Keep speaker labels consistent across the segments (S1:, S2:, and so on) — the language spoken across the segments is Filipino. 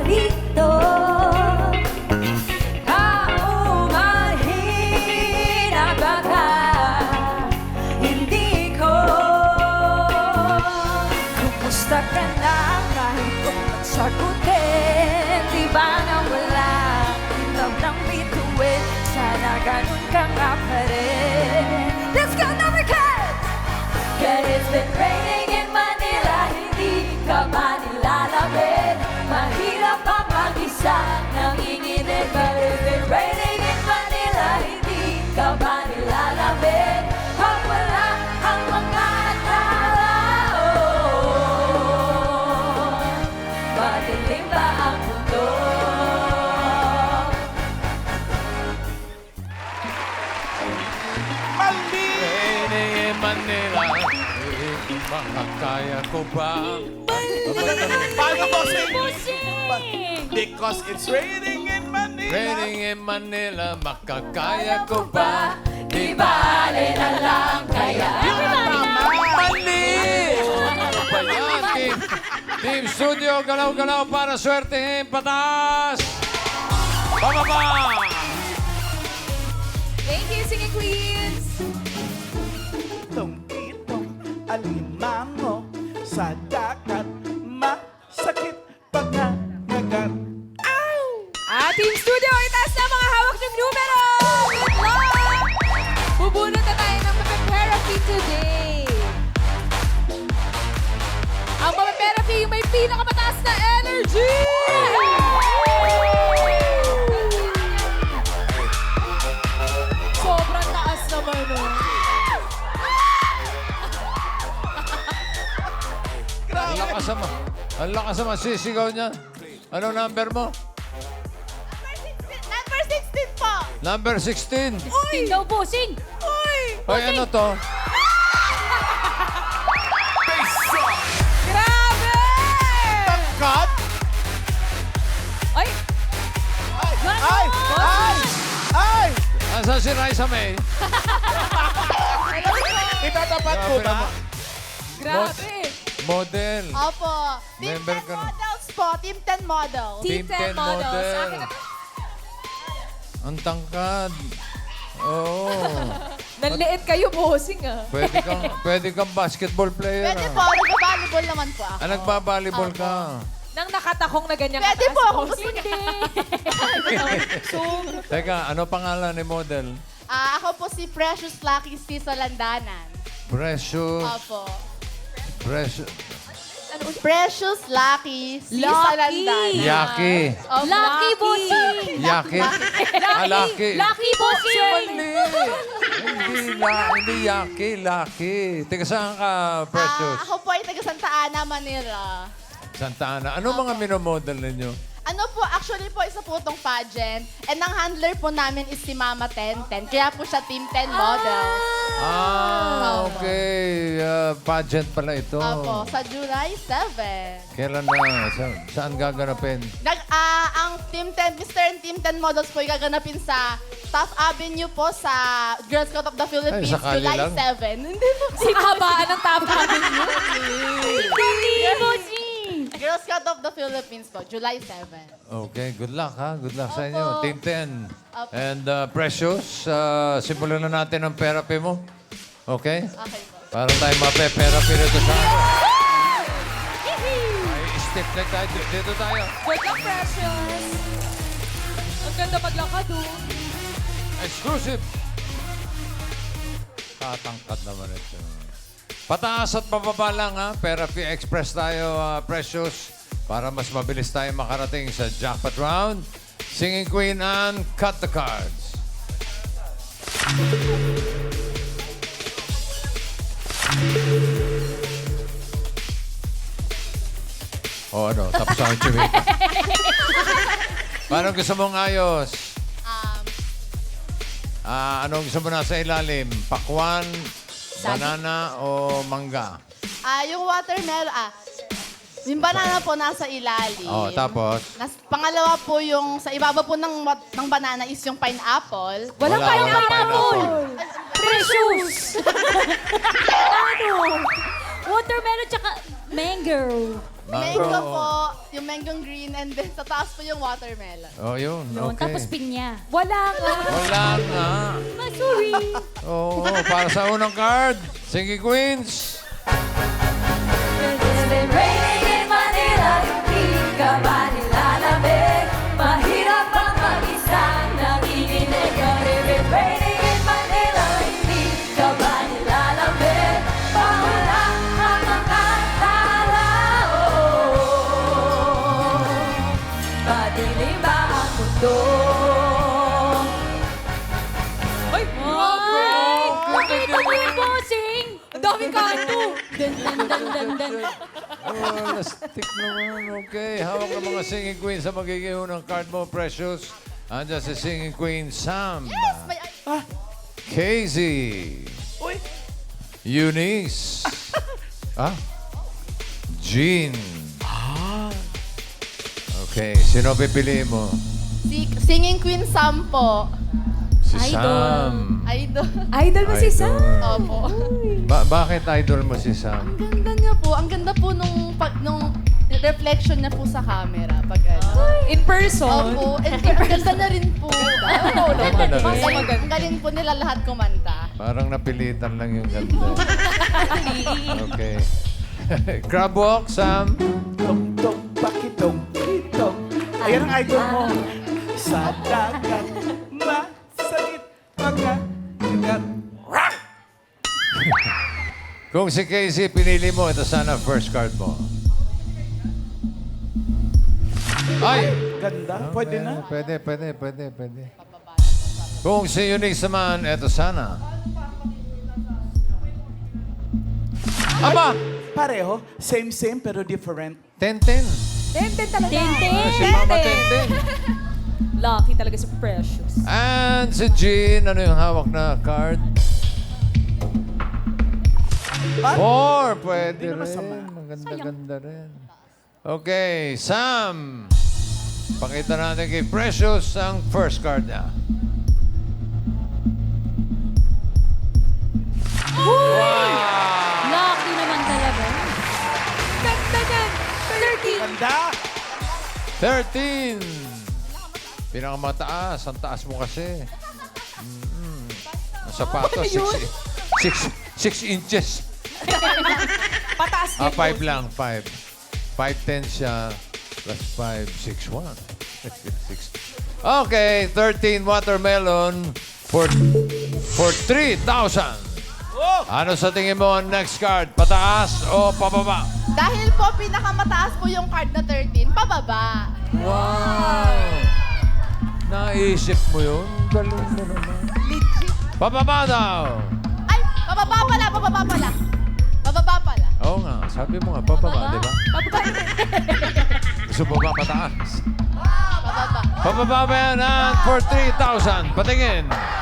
S1: dito. Kaumahin na baka hindi ko. Kumusta ka na kahit kung magsagutin? Di ba na wala love ng bituin? Sana ganun ka nga pa rin. Let's go, number cut! Cause it's been raining in Manila, hindi ka man nilalamig. Mahirap ang mag-isa, nanginginig. But it's been raining in Manila, hindi ka man nilalamig. Pag wala ang mga tao, madilim ba ang mundo?
S2: Raining in Manila, makakaya ko ba?
S3: Paano bossing? Because it's raining in Manila.
S2: Raining in Manila, makakaya ko ba?
S1: Di bale na lang kaya.
S2: Mali! Ano ba yan, team? Team Studio, galaw-galaw para swertehin. Pataas! Pababa!
S1: Thank you, singing queens!
S3: Itong alimango sa dagat, masakit pangangagat.
S1: Team Studio, itaas na mga hawak ng numero! Good luck! Bubunot na tayo ng Therapy today. Ang Therapy yung may pinakamataas na energy! Sobrang taas naman, no?
S2: Ang lakas naman sisigaw niya. Anong number mo?
S4: Number 16 po.
S2: Number 16.
S1: Uy! Daw, bossing! Uy!
S2: Hoy, ano to?
S1: Grabe!
S3: God!
S1: Ay!
S3: Ay! Ay! Ay!
S2: Asan si Raisa May?
S3: Itatapat ko
S2: Grabe
S3: ba?
S2: naman.
S1: Grabe!
S2: Model.
S4: Opo. Team
S2: Member
S4: 10
S2: ka na.
S4: models po. Team 10 models.
S1: Team 10 models. Sa akin na-
S2: Ang tangkad. Oo.
S1: Nanliit kayo, bossing ah.
S2: Pwede kang basketball player.
S4: Pwede po. Nag-volleyball naman po ako.
S2: Nagbabalibol ka.
S1: Nang nakatakong na ganyan
S4: Pwede
S1: kataas,
S4: po ako.
S1: bossing.
S2: Teka, ano pangalan ni model?
S4: Ako po si Precious Lucky C. Solandanan.
S2: Precious.
S4: Opo.
S2: Precious.
S4: Precious Lucky C.
S1: Lucky.
S4: Solandanan.
S2: Yaki.
S4: Opo.
S1: Lucky bossing!
S2: Yaki. Lucky.
S1: Lucky bossing!
S2: Hindi Yaki. Lucky. Teka, saan ka, Precious?
S4: Ako po ay taga Santa Ana, Manila.
S2: Santa Ana. Ano mga minomodel ninyo?
S4: Ano po, actually po, isa po itong pageant. And ang handler po namin is si Mama 1010. Kaya po siya Team 10 model.
S2: Okay. Pageant pala ito.
S4: Opo, sa July 7.
S2: Kailan na? Saan gaganapin?
S4: Ang Team 10, Mr. and Team 10 models po ay gaganapin sa Taft Avenue po sa Girl Scout of the Philippines,
S2: sakali
S4: July
S2: lang.
S4: 7. Hindi po.
S1: Habaan ng top ninyo. Hindi, bossing!
S4: Girl Scout of the Philippines po, July 7.
S2: Okay, good luck ha. Good luck sa
S4: Opo.
S2: inyo. Team 10.
S4: Opo.
S2: And Precious, simulan na natin ang therapy mo. Okay?
S4: Okay po.
S2: Para tayo mape-therapy rito sa ano. Ay, step leg tayo. Dito tayo.
S1: Good luck, Precious! Ang ganda maglakad, oh.
S2: Exclusive. Tatangkad naman ito. Pataas at pababa lang ha. Therapy Express tayo, Precious. Para mas mabilis tayo makarating sa jackpot round. Singing Queen and cut the cards. O ano, tapos ang chimik. Paano gusto mong ayos? Anong gusto mo nasa ilalim? Pakwan, banana, o mangga?
S4: Yung watermelon, yung banana po nasa ilalim.
S2: Oh, tapos?
S4: Pangalawa po yung, sa ibaba po ng banana is yung pineapple.
S1: Walang
S2: Wala,
S1: pineapple!
S2: walang
S1: Precious! Ano? Watermelon tsaka mango.
S4: Mango po, yung mango green, and then sa taas po yung watermelon.
S2: Oh, yun.
S1: Yun,
S2: Okay.
S1: tapos pinya. Wala nga.
S2: Wala nga.
S1: Sorry.
S2: Oo, para sa unang card, Singing Queens.
S1: It's been raining in Manila, hindi ka ba nilalamig? Mahirap ang mag-isa, nanginginig ang it's raining in Manila, hindi ka ba nilalamig? Pawala ang mga tao. Madilim ba ang mundo? Ay! Nakita mo yung bossing! Ang daming kanto! Dan, dan, dan, dan, dan.
S2: Oh, na-stick naman. Okay, hawak ng mga Singing Queens sa magiging unang card mo, Precious. Andiyan si Singing Queen Sam.
S4: Yes! May,
S2: Casey.
S3: Uy,
S2: Eunice. Jean. Okay, sino pipiliin mo?
S4: singing queen Sam po.
S2: Si
S1: Idol.
S2: Sam.
S4: Idol.
S1: Idol mo si Sam.
S4: Opo.
S2: Bakit idol mo si Sam?
S4: Ang ganda niya po. Ang ganda po nung reflection niya po sa camera. Pag ano.
S1: In person.
S4: Opo. And ang ganda na rin po.
S2: Ganda na rin.
S4: Ang galing po nila lahat kumanta.
S2: Parang napilitan lang yung ganda. Okay. Crab walk, Sam.
S3: tong tong pakitong kitong. Ayan ang idol mo. Sa dagat, masakit pagkagat.
S2: Kung si Casey pinili mo, ito sana first card mo. Ay!
S3: Ganda, pwede na.
S2: Pwede. Kung si Eunice naman, ito sana. Aba!
S3: Pareho, same pero different.
S2: 10-10.
S1: Tenten talaga. Tenten.
S2: Si Mama 10-10.
S1: Lucky talaga si Precious.
S2: And si Jean, ano yung hawak na card? 4. Pwede
S3: Hindi na
S2: rin.
S3: masama.
S2: Maganda-ganda rin. Okay, Sam. Pakita natin kay Precious ang first card niya.
S1: Lucky naman talaga. Ganda yan. 30.
S3: Ganda!
S2: 13. Pinakamataas. Ang taas mo kasi. Ang sapatos, 6 inches.
S1: Pataas din.
S2: 5 lang, 5. 5'10 siya, plus 5, 6'1. Okay, 13 watermelon for 3,000. Ano sa tingin mo ang next card? Pataas o pababa?
S4: Dahil po pinakamataas po yung card na 13, pababa.
S2: Wow! Naisip mo yun? Galing mo naman. Pababa daw!
S4: Ay, pababa pala. Pababa pala.
S2: Oo nga, sabi mo nga, pababa, di ba? Gusto mo ba pataas?
S4: Pababa.
S2: Pababa ba yan at for 3,000? Patingin.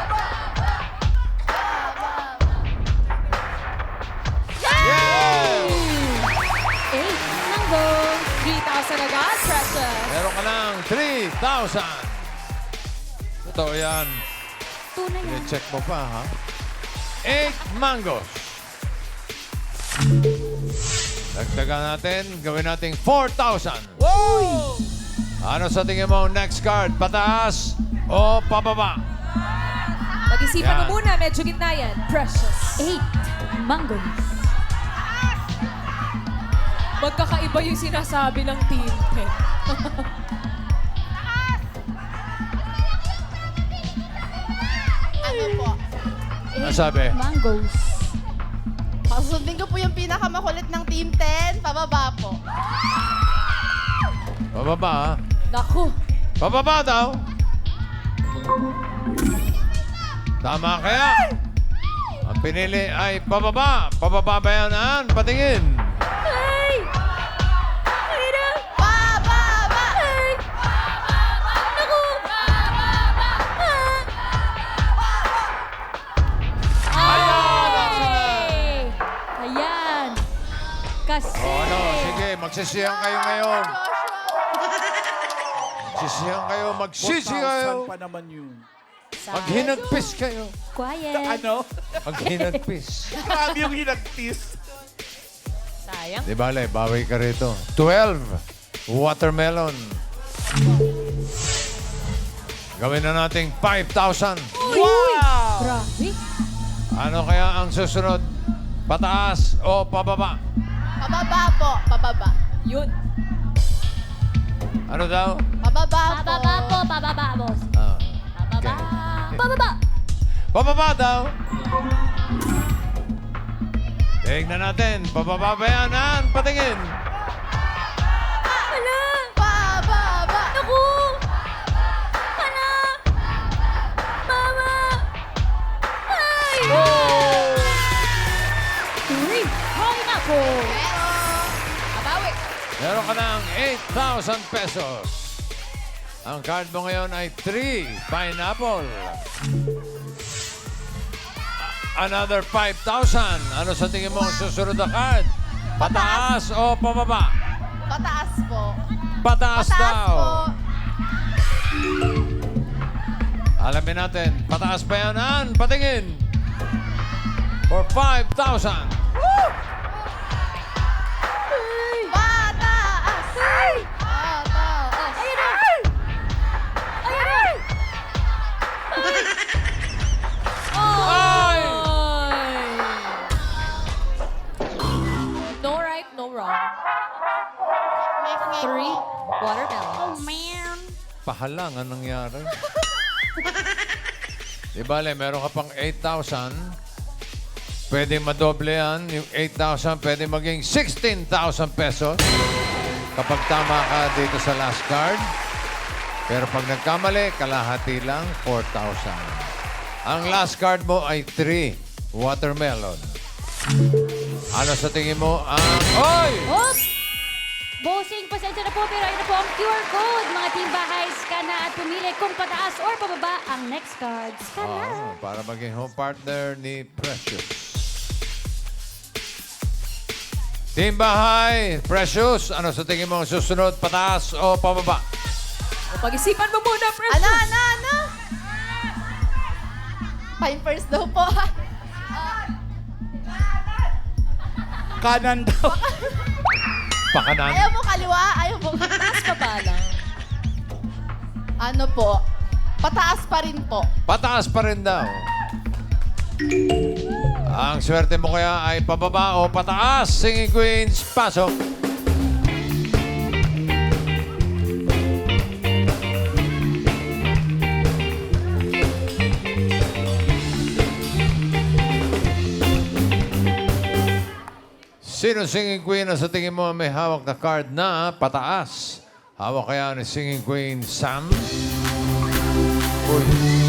S2: Yeah!
S1: 8. Mango. 3,000 agad, Precious.
S2: Meron ka ng 3,000. Totoo yan.
S1: Tunay yan.
S2: I-check mo pa, ha? 8 mangoes. Dagdagan natin, gawin natin 4,000. Ano sa tingin mo ang next card? Pataas o pababa?
S1: Pag-isipan
S2: Yan.
S1: mo muna, medyo gitna yan. Precious. 8. Mango. Magkakaiba yung sinasabi ng team.
S4: Ano po?
S2: Ano sabi?
S1: Mangoes.
S4: Pasusundin ko po yung pinakamakulit ng Team 10, pababa po.
S2: Pababa, ha?
S1: Naku.
S2: Pababa daw. Tama kaya? Ang pinili ay pababa. Pababa ba yan, Ann? Patingin.
S1: Ay! Ay na!
S4: Pababa!
S1: Ay! Naku! Ay! Ayan. Kasi...
S2: O ano, sige, magsisiyang kayo ngayon. Magsisiyang kayo, magsisi kayo.
S3: 4,000 pa naman yun.
S2: Maghinagpis kayo.
S1: Quiet.
S3: Ano?
S2: Maghinagpis.
S3: Grabe yung hinagtis.
S5: Sayang.
S2: Di bale, bawi ka rito. 12, watermelon. Gawin na nating 5,000.
S5: Grabe.
S2: Ano kaya ang susunod? Pataas o pababa?
S4: Pababa po. Pababa.
S5: Yun.
S2: Ano daw?
S4: Pababa po.
S5: Pababa po, pababa, boss.
S2: Ah,
S5: Pababa.
S2: okay.
S5: Pababa.
S2: Pababa daw. Tingnan natin. Pababa ba yan? An? Patingin.
S5: Hala.
S4: Pababa.
S5: Naku. Hala. Mama. Ay. Uy. Hay nako. Abawi.
S2: Meron ka ng 8,000 pesos. Ang card mo ngayon ay 3, pineapple. Another 5,000. Ano sa tingin mo ang susunod na card? Pataas o pababa?
S4: Pataas po.
S2: Pataas,
S4: Pataas
S2: daw.
S4: po.
S2: Alamin natin. Pataas pa yan, Ann? Patingin. For 5,000.
S4: Pataas. Pataas.
S5: Ayun na. Ayun na.
S2: Ay!
S5: No right, no wrong. 3, watermelon. Oh, man.
S2: Pahalang ang nangyari. Di bale, meron ka pang 8,000. Pwede madoble yan. Yung 8,000 pwede maging 16,000 pesos. Kapag tama ka dito sa last card. Pero pag nagkamali, kalahati lang, 4,000. Ang last card mo ay 3, watermelon. Ano sa tingin mo ang... Oy!
S5: Oops! Bossing, pasensya na po, pero ayun na po ang QR code. Mga team bahay, scan na at pumili kung pataas or pababa ang next card. Scan na.
S2: Para maging home partner ni Precious. Team Bahay, Precious, ano sa tingin mo ang susunod? Pataas o pababa?
S5: Pag-isipan mo muna, Precious.
S4: Ano? Fine first daw po.
S3: Kanan daw.
S2: Pakanan.
S4: Ayaw mo kaliwa, ayaw mo.
S5: Taas pa ba lang?
S4: Ano po? Pataas pa rin po.
S2: Pataas pa rin daw. Ang swerte mo kaya ay pababa o pataas? Singing Queens, pasok. Sino singing queen na sa tingin mo may hawak na card na pataas? Hawak kaya ni singing queen Sam? Uy.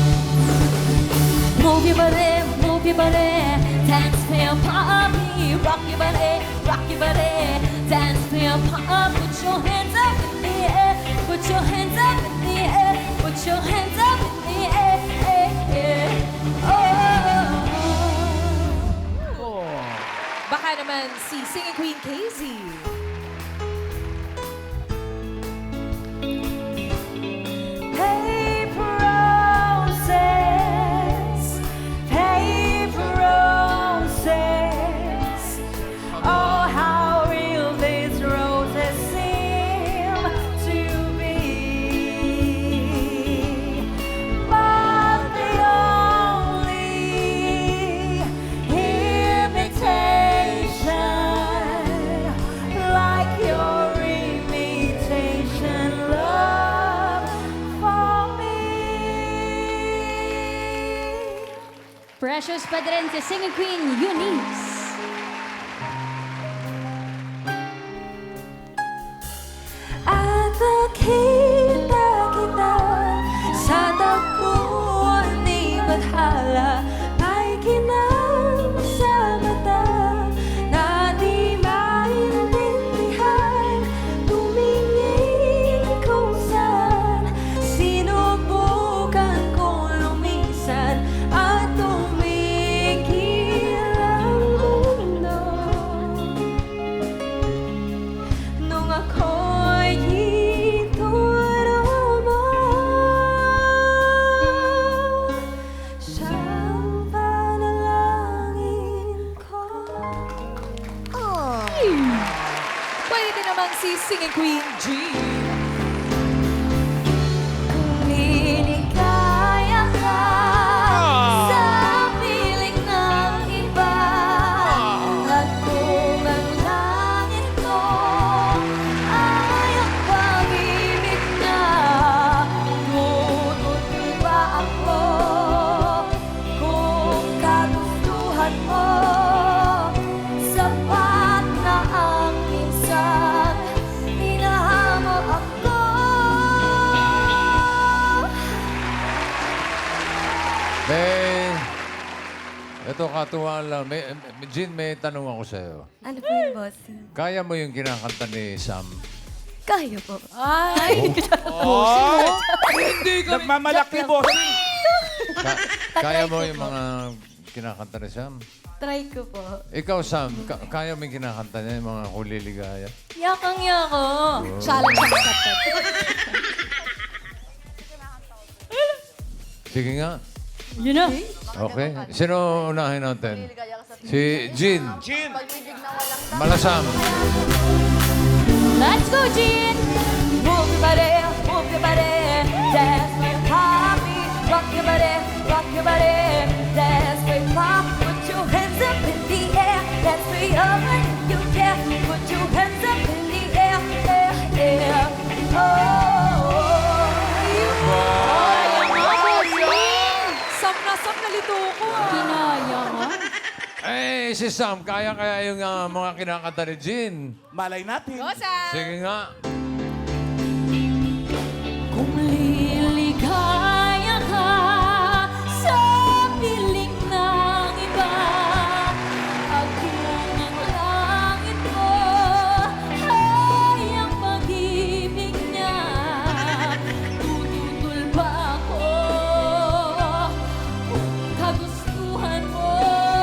S1: Move your body, dance to your poppy. Rock your body, dance to your pop. Put your hands up in the air, put your hands up in the air, put your hands up in the air. Oh.
S5: Baka naman si Singing Queen Casey.
S1: Paper roses. Oh, how real these roses seem to be. But they only imitation, like your imitation love for me.
S5: Precious pa din si Singing Queen Eunice.
S1: At nakita kita sa takbuhan ni Bathala, may kinang sa mata na di maintindihan. Tumingin kung saan sinubukan kong lumisan at tumigil ang mundo. Nung ako'y ituro mo, siyang si Singing Queen G. Kung liligaya ka sa piling ng iba, at kung ang langit ko ay ang pag-ibig na, tutuloy ba ako kung kagustuhan mo? Sapat na ang minsan minahal mo ako.
S2: Ito katuwaan lang. Jean, may tanong ako sa'yo.
S1: Ano po yung bossing?
S2: Kaya mo yung kinakanta ni Sam?
S1: Kaya po. Ay!
S3: Nagmamalaki, bossing.
S2: Kaya mo yung mga kinakanta ni Sam?
S1: Try ko po.
S2: Ikaw, Sam, kaya mo yung kinakanta niya, yung mga kuliligaya?
S1: Yakang-yako. Challenge accepted.
S2: Sige nga.
S5: Yun na.
S2: Okay. Sino unahin natin? Si Jean.
S3: Jean.
S4: Pag-ibig na walang
S2: Malasam.
S5: Let's go, Jean!
S1: Move your body, dance with happy. Rock your body, dance with pop. Put your hands up in the air, dance free up when you care. Put your hands up in the air, air, air. Oh, you Sam na lito ko.
S5: Kinaya mo.
S2: Eh, si Sam, kaya yung mga kinakanta ni Jean?
S3: Malay natin.
S2: Sige nga.
S1: Kung liligaya ka sa piling ng iba, at kung ang langit mo ay ang pag-ibig niya, tututol ba ako kung kagustuhan mo?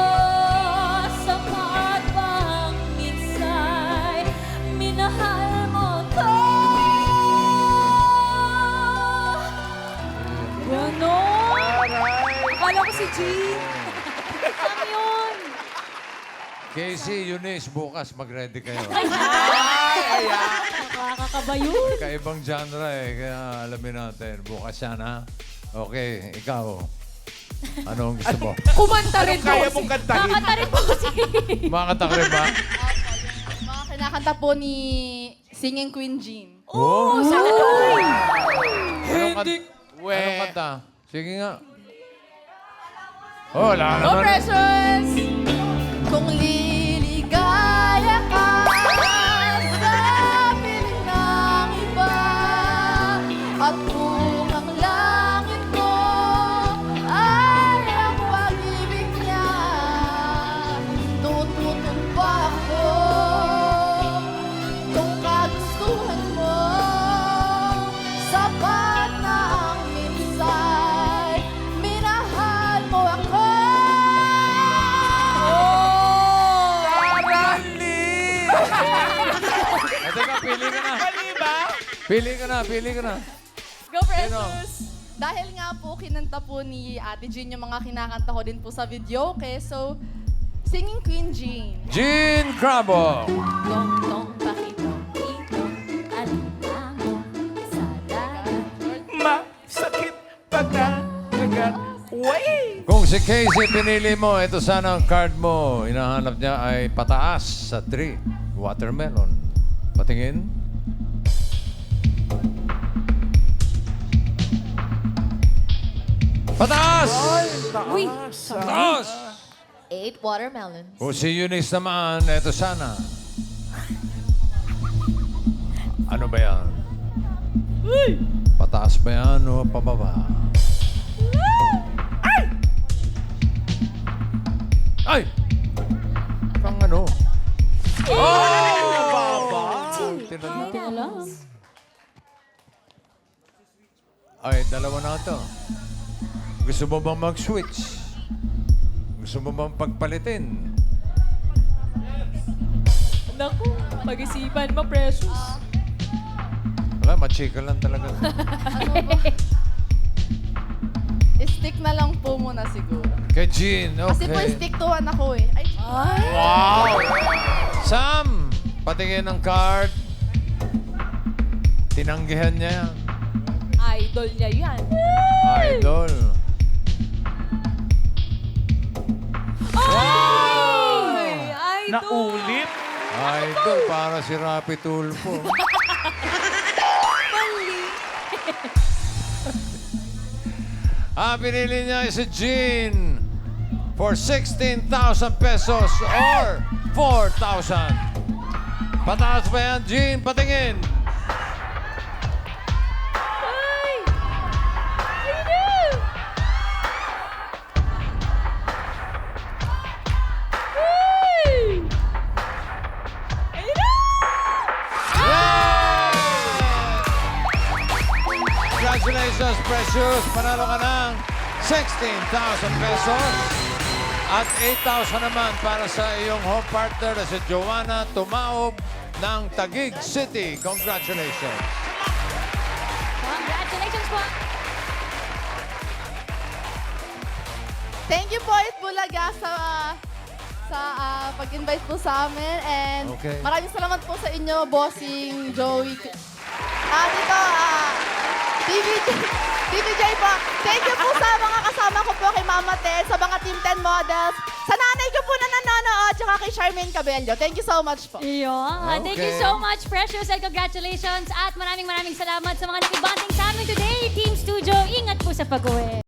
S1: Sapat bang minsay minahal mo ko? Ganon! Akala ko si G. Ano yun?
S2: Casey, Eunice, bukas mag-ready kayo.
S5: Nakakakaba yun.
S2: Kaibang genre eh, kaya alamin natin. Bukas yan, ha? Okay, ikaw. Ano ang gusto mo?
S1: Kumanta rin po.
S3: Kaya mong kantahin.
S5: Kakanta rin po si...
S2: Makakanta ka rin ba?
S4: mga kinakanta po ni Singing Queen Jean.
S2: Oh!
S3: Hindi.
S2: Anong kanta? Sige nga. Oh, wala
S4: Go,
S2: naman.
S4: Precious! Kung liligaya ka sa piling ng iba, at kung ang langit mo ay ang pag-ibig niya, tututun pa ako kung kagustuhan mo. Sapat na ang minsay minahal mo ako.
S2: Teka, pili ka na.
S3: Mali ba?
S2: Pili ka na.
S4: Go, Precious! Dahil nga po, kinanta po ni Ate Jean yung mga kinakanta ko din po sa video. Okay, so, Singing Queen Jean.
S2: Jean Crabo.
S1: Dong, dong, pakitong, itong, alinlango sa dagat.
S3: Masakit pagkakagat. Way!
S2: Kung si Casey pinili mo, ito sana ang card mo. Hinahanap niya ay pataas sa 3. Watermelon. Patingin. Pataas!
S1: Uy!
S2: Pataas!
S4: 8 watermelons.
S2: Kung si Eunice naman, ito sana. Ano ba yan? Pataas ba yan o pababa? Ay! Kang ano? Tinala.
S5: Alam.
S2: Ay, dalawa na ito. Gusto mo bang mag-switch? Gusto mo bang pagpalitin?
S1: Naku, pag-isipan mo, Precious.
S2: Wala, machika lang talaga.
S4: Stick na lang po muna siguro.
S2: Kay Jean,
S4: Kasi po
S2: okay.
S4: stick to one ako eh. Ay,
S2: Wow! Sam, patingin ng card. Tinanggihan niya yan.
S4: Idol niya yan.
S2: Idol.
S4: Ay, idol!
S3: Naulit.
S2: Idol, para si Rapi Tulfo. Pinili niya si Jean for 16,000 pesos or 4,000. Pataas ba yan, Jean? Patingin. Congratulations, Precious! Panalo ka ng 16,000 pesos at 8,000 naman para sa iyong home partner na si Joanna Tumaob ng Taguig City. Congratulations!
S5: Congratulations po.
S4: Thank you po, Itbulaga, sa pag-invite po sa amin. And
S2: Okay.
S4: maraming salamat po sa inyo, Bossing, Joey. TVJ po. Thank you po sa mga kasama ko po kay Mama Ted, sa mga Team 10 models, sa nanay ko po na nanonood, tsaka kay Charmaine Cabello. Thank you so much po.
S5: Iyon. Thank you
S2: Okay.
S5: so much, Precious, and congratulations. At maraming salamat sa mga nakibanding sa amin today, Team Studio. Ingat po sa pag-uwi.